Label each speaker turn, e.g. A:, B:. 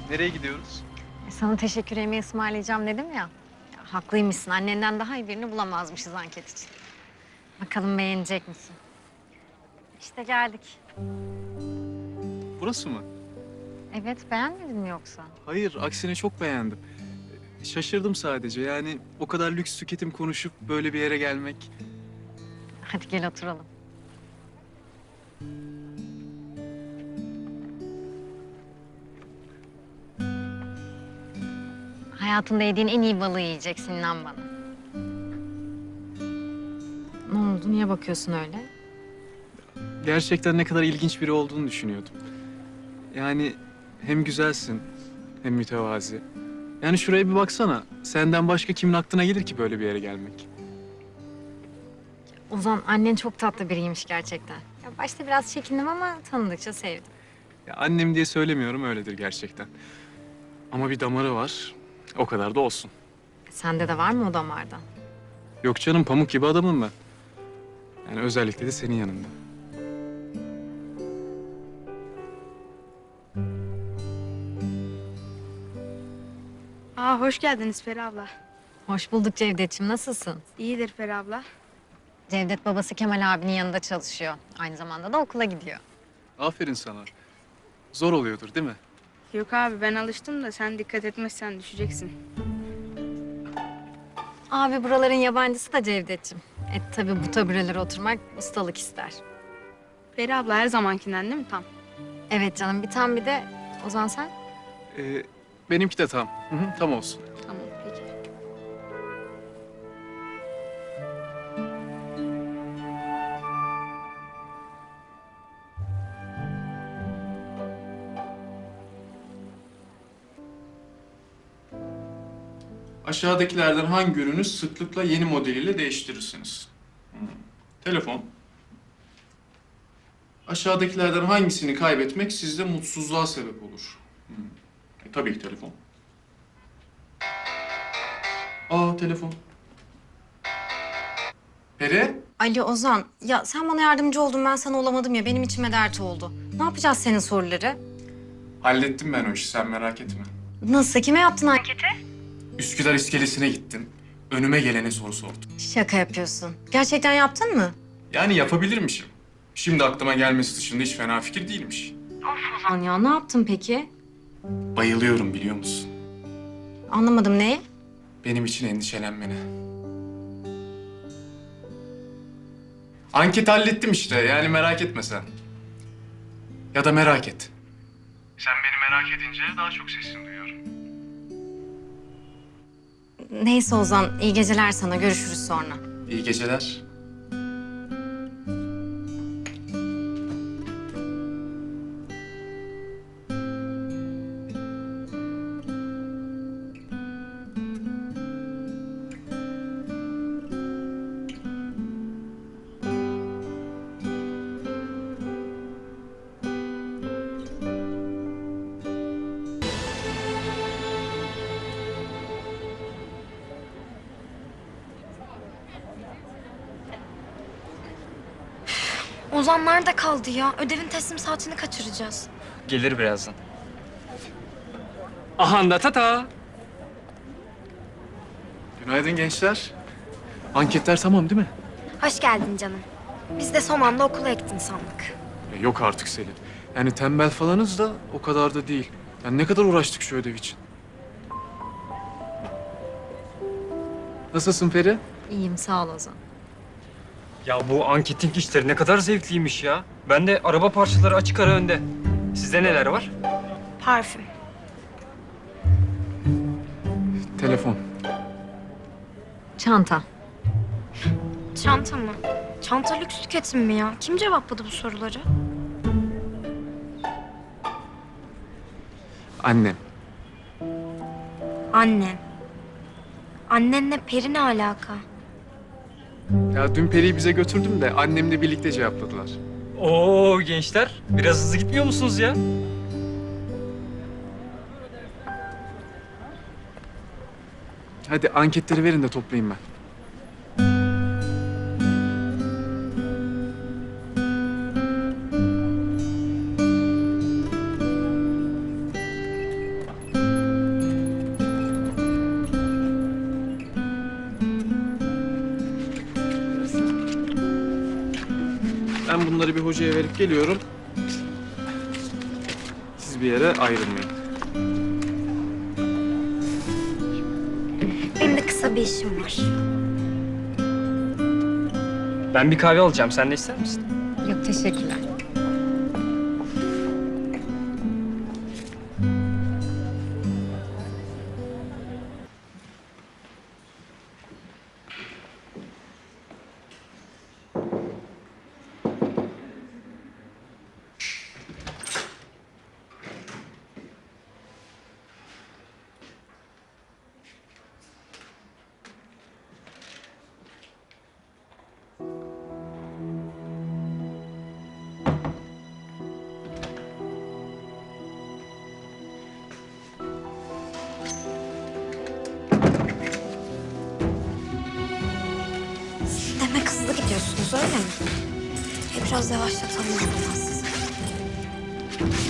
A: Nereye gidiyoruz?
B: Sana teşekkür yemeği ısmarlayacağım dedim ya. Ya, haklıymışsın. Annenden daha iyi birini bulamazmışız anket için. Bakalım beğenecek misin? İşte geldik.
A: Burası mı?
B: Evet, beğenmedin mi yoksa?
A: Hayır, aksine çok beğendim. Şaşırdım sadece. Yani o kadar lüks tüketim konuşup böyle bir yere gelmek.
B: Hadi gel oturalım. Hayatında yediğin en iyi balığı yiyeceksin, inan bana. Ne oldu? Niye bakıyorsun öyle?
A: Gerçekten ne kadar ilginç biri olduğunu düşünüyordum. Yani hem güzelsin hem mütevazi. Yani şuraya bir baksana. Senden başka kimin aklına gelir ki böyle bir yere gelmek?
B: Ozan, annen çok tatlı biriymiş gerçekten. Ya başta biraz çekindim ama tanıdıkça sevdim.
A: Ya annem diye söylemiyorum, öyledir gerçekten. Ama bir damarı var. O kadar da olsun.
B: Sende de var mı o damardan?
A: Yok canım, pamuk gibi adamım ben. Yani özellikle de senin yanında.
C: Hoş geldiniz Peri abla.
B: Hoş bulduk Cevdet'ciğim. Nasılsın?
C: İyidir Peri abla.
B: Cevdet babası Kemal abinin yanında çalışıyor. Aynı zamanda da okula gidiyor.
A: Aferin sana. Zor oluyordur değil mi?
C: Yok abi ben alıştım da sen dikkat etmezsen düşeceksin.
B: Abi buraların yabancısı da Cevdet'ciğim. Tabii bu taburelere oturmak ustalık ister.
C: Peri abla her zamankinden değil mi tam?
B: Evet canım, bir tam bir de Ozan sen?
A: Benimki de tam. Hı hı, tam olsun.
C: Tamam peki.
A: Aşağıdakilerden hangi ürünü sıklıkla yeni modeliyle değiştirirsiniz? Telefon. Aşağıdakilerden hangisini kaybetmek sizde mutsuzluğa sebep olur? Tabii ki telefon. Telefon. Peri?
B: Ali Ozan, ya sen bana yardımcı oldun, ben sana olamadım ya. Benim içime dert oldu. Ne yapacağız senin soruları?
A: Hallettim ben o işi, sen merak etme.
B: Nasıl? Kime yaptın anketi?
A: Üsküdar iskelesine gittim. Önüme gelene soru sordum.
B: Şaka yapıyorsun. Gerçekten yaptın mı?
A: Yani yapabilirmişim. Şimdi aklıma gelmesi dışında hiç fena fikir değilmiş.
B: Ozan ya, ne yaptın peki?
A: Bayılıyorum biliyor musun?
B: Anlamadım, neyi?
A: Benim için endişelenmene. Anketi hallettim işte. Yani merak etme sen. Ya da merak et. Sen beni merak edince daha çok sesini duyuyorum.
B: Neyse Ozan, iyi geceler sana. Görüşürüz sonra.
A: İyi geceler.
D: Ozan nerede kaldı ya? Ödevin teslim saatini kaçıracağız.
E: Gelir birazdan. Aha da tata.
A: Günaydın gençler. Anketler tamam değil mi?
D: Hoş geldin canım. Biz de son anda okula ektin sandık.
A: Yok artık Selin. Yani tembel falanız da o kadar da değil. Yani ne kadar uğraştık şu ödev için. Nasılsın Peri?
B: İyiyim, sağ ol Ozan.
E: Ya bu anketin işleri ne kadar zevkliymiş ya. Ben de araba parçaları açık ara önde. Sizde neler var?
D: Parfüm.
A: Telefon.
B: Çanta.
D: Çanta mı? Çanta lüks tüketim mi ya? Kim cevapladı bu soruları?
A: Annem.
D: Annen. Annenle Peri ne alaka?
A: Ya dün Peri'yi bize götürdüm de annemle birlikte cevapladılar.
E: Oo gençler, biraz hızlı gitmiyor musunuz ya?
A: Hadi anketleri verin de toplayayım ben. bunları bir hocaya verip geliyorum. Siz bir yere ayrılmayın.
D: Benim de kısa bir işim var.
E: Ben bir kahve alacağım. Sen de ister misin?
B: Yok teşekkürler.
D: Demek hızlı gidiyorsunuz öyle mi? Biraz yavaşlatalım o zaman sizi.